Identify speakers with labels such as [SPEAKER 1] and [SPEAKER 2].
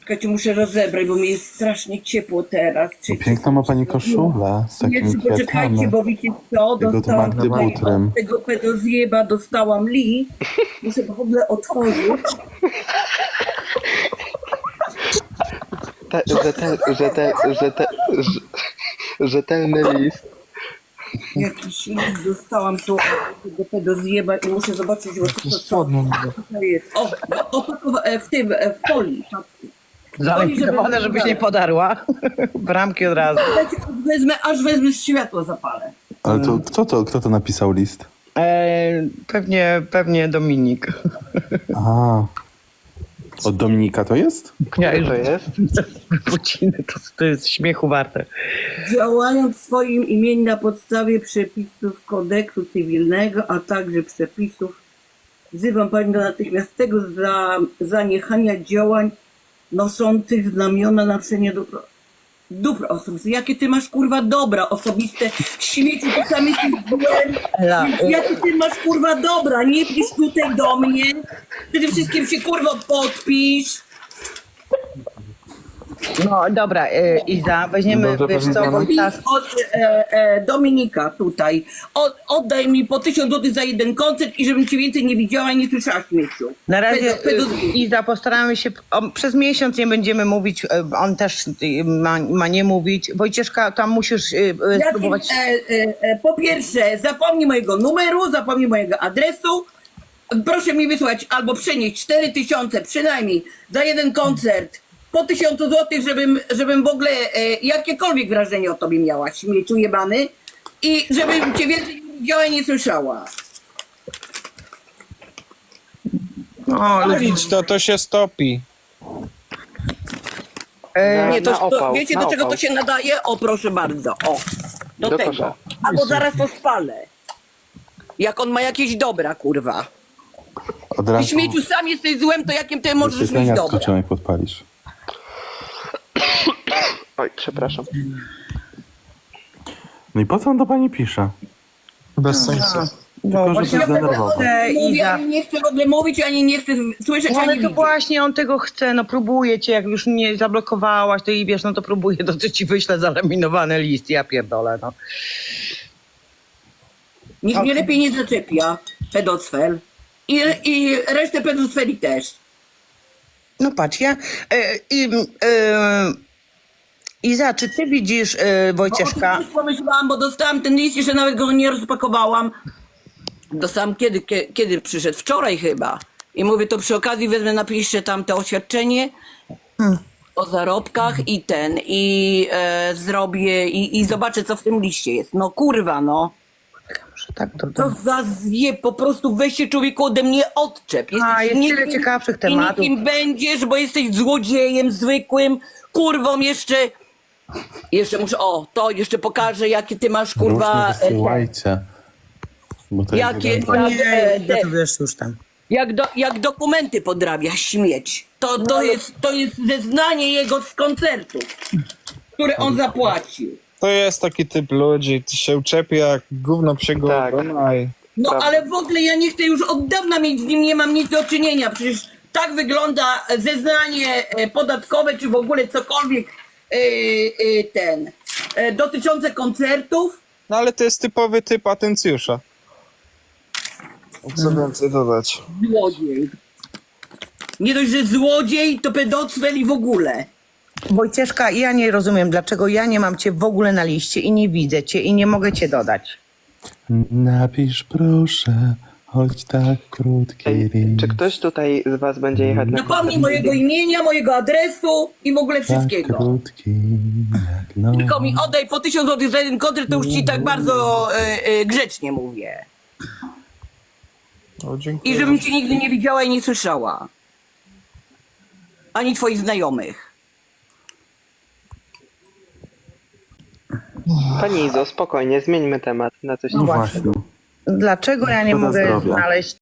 [SPEAKER 1] Czekajcie, muszę rozebrać, bo mi jest strasznie ciepło teraz.
[SPEAKER 2] Piękną ma pani koszulę z takimi
[SPEAKER 1] Jeszcze poczekajcie,
[SPEAKER 2] kwiatami.
[SPEAKER 1] bo wiecie co,
[SPEAKER 2] Jego
[SPEAKER 1] dostałam
[SPEAKER 2] Magdy
[SPEAKER 1] tutaj
[SPEAKER 2] butrem.
[SPEAKER 1] od tego pedozjeba, dostałam list. Muszę w ogóle otworzyć.
[SPEAKER 3] Rzetelny list.
[SPEAKER 1] Jakiś list dostałam tu od tego pedozjeba i muszę zobaczyć, bo co to jest. W tym, w folii.
[SPEAKER 4] Zalegitowane, żebyś nie podarła. Bramki od razu.
[SPEAKER 1] Dajcie, aż wezmę światło zapalę.
[SPEAKER 2] Ale to kto to napisał list?
[SPEAKER 4] Pewnie Dominik.
[SPEAKER 2] Aha. Od Dominika to jest?
[SPEAKER 4] Ja
[SPEAKER 3] To jest?
[SPEAKER 4] Wypociny, to jest śmiechu warte.
[SPEAKER 1] Działając w swoim imieniu na podstawie przepisów kodeksu cywilnego, a także przepisów, wzywam Pani do natychmiastowego zaniechania działań noszących znamiona naruszenia dóbr osobistych. Jakie ty masz kurwa dobra osobiste? Śmieci, ty sam jesteś złem. Jakie ty masz kurwa dobra? Nie pisz tutaj do mnie. Przede wszystkim się kurwa podpisz.
[SPEAKER 4] No dobra, Iza, weźmiemy,
[SPEAKER 3] Dobrze
[SPEAKER 4] wiesz co,
[SPEAKER 3] powiedziane.
[SPEAKER 4] Wojtas,
[SPEAKER 1] Od Dominika tutaj. Oddaj mi po 1000 zł za jeden koncert i żebym cię więcej nie widziała i nie słyszała śmieciu.
[SPEAKER 4] na razie
[SPEAKER 1] Pedofil.
[SPEAKER 4] Iza, postaramy się, przez miesiąc nie będziemy mówić, on też ma nie mówić. Wojcieszka, tam musisz spróbować.
[SPEAKER 1] Po pierwsze, zapomnij mojego numeru, zapomnij mojego adresu. Proszę mi wysłać albo przenieść 4000 przynajmniej za jeden koncert po 1000 zł, żebym w ogóle jakiekolwiek wrażenie o tobie miała, śmieciu jebany, i żebym cię więcej nie widziała i nie słyszała.
[SPEAKER 4] No,
[SPEAKER 5] Idź, to się stopi.
[SPEAKER 1] Nie,
[SPEAKER 3] na opał,
[SPEAKER 1] wiecie
[SPEAKER 3] na
[SPEAKER 1] do czego
[SPEAKER 3] opał.
[SPEAKER 1] to się nadaje? O, proszę bardzo, o, do
[SPEAKER 3] Do
[SPEAKER 1] tego.
[SPEAKER 3] kosza.
[SPEAKER 1] Albo zaraz to spalę. Jak on ma jakieś dobra, kurwa.
[SPEAKER 2] Od
[SPEAKER 1] Ty
[SPEAKER 2] razu
[SPEAKER 1] śmieciu sam jesteś złem, to jakim ty możesz mieć
[SPEAKER 2] wyświetlenia
[SPEAKER 1] dobra?
[SPEAKER 2] skoczą, jak podpalisz.
[SPEAKER 3] Oj, przepraszam.
[SPEAKER 2] No i po co on do pani pisze?
[SPEAKER 5] Bez sensu.
[SPEAKER 4] no
[SPEAKER 2] że
[SPEAKER 4] właśnie
[SPEAKER 2] się zdenerwował.
[SPEAKER 1] Mówię,
[SPEAKER 4] Iza.
[SPEAKER 1] ani nie chcę w ogóle mówić, ani nie chcę słyszeć,
[SPEAKER 4] No,
[SPEAKER 1] ani
[SPEAKER 4] ale to
[SPEAKER 1] widzieć.
[SPEAKER 4] właśnie on tego chce, no próbuje cię, jak już nie zablokowałaś, to i wiesz, no to próbuje, to ci wyślę zalaminowany list, ja pierdolę, no.
[SPEAKER 1] Nikt mnie lepiej nie zaczepia, pedocfel. I resztę pedocfeli też.
[SPEAKER 4] No patrz, Iza, czy ty widzisz, Wojcieszka,
[SPEAKER 1] Bo o tym też pomyślałam, bo dostałam ten list, jeszcze nawet go nie rozpakowałam. Dostałam kiedy przyszedł? Wczoraj chyba. I mówię, to przy okazji wezmę, napiszę tam to oświadczenie o zarobkach i zrobię i zobaczę, co w tym liście jest. No kurwa, no.
[SPEAKER 4] tak,
[SPEAKER 1] To za zje, po prostu weź się człowieku ode mnie odczep.
[SPEAKER 4] jest tyle ciekawszych tematów.
[SPEAKER 1] I nikim będziesz, bo jesteś złodziejem zwykłym, kurwą jeszcze muszę, to jeszcze pokażę, jakie ty masz kurwa,
[SPEAKER 2] Różnie wysyłajcie. Bo to
[SPEAKER 1] jakie-
[SPEAKER 2] jest
[SPEAKER 4] O
[SPEAKER 2] wiadomo.
[SPEAKER 4] nie, to wiesz już tam.
[SPEAKER 1] jak dokumenty podrabia śmieć. To jest zeznanie jego z koncertu, które on zapłacił.
[SPEAKER 5] To jest taki typ ludzi, ty się uczepia jak gówno psiego
[SPEAKER 3] Tak.
[SPEAKER 5] ogona i...
[SPEAKER 1] No
[SPEAKER 3] Prawda.
[SPEAKER 1] ale w ogóle ja nie chcę już od dawna mieć z nim, nie mam nic do czynienia. Przecież tak wygląda zeznanie podatkowe, czy w ogóle cokolwiek dotyczące koncertów.
[SPEAKER 5] No ale to jest typowy typ atencjusza. Co więcej dodać?
[SPEAKER 1] Złodziej. Nie dość, że złodziej, to pedocfel i w ogóle.
[SPEAKER 4] Wojcieszka, ja nie rozumiem, dlaczego ja nie mam cię w ogóle na liście i nie widzę cię i nie mogę cię dodać.
[SPEAKER 2] Napisz proszę, choć tak krótki
[SPEAKER 3] Ej,
[SPEAKER 2] list.
[SPEAKER 3] czy ktoś tutaj z was będzie jechać na
[SPEAKER 1] Napomnij mojego imienia, mojego adresu i w ogóle
[SPEAKER 2] Tak
[SPEAKER 1] wszystkiego.
[SPEAKER 2] krótki jak noc.
[SPEAKER 1] Tylko mi oddaj po 1000 zł za jeden koncert, to już ci tak bardzo grzecznie mówię.
[SPEAKER 5] O, dziękuję.
[SPEAKER 1] I żebym cię nigdy nie widziała i nie słyszała. Ani twoich znajomych.
[SPEAKER 3] Pani Izo, spokojnie, zmieńmy temat na coś
[SPEAKER 2] No
[SPEAKER 3] innego.
[SPEAKER 2] właśnie.
[SPEAKER 4] Dlaczego ja nie
[SPEAKER 2] Szkoda
[SPEAKER 4] mogę
[SPEAKER 2] zdrowia.
[SPEAKER 4] znaleźć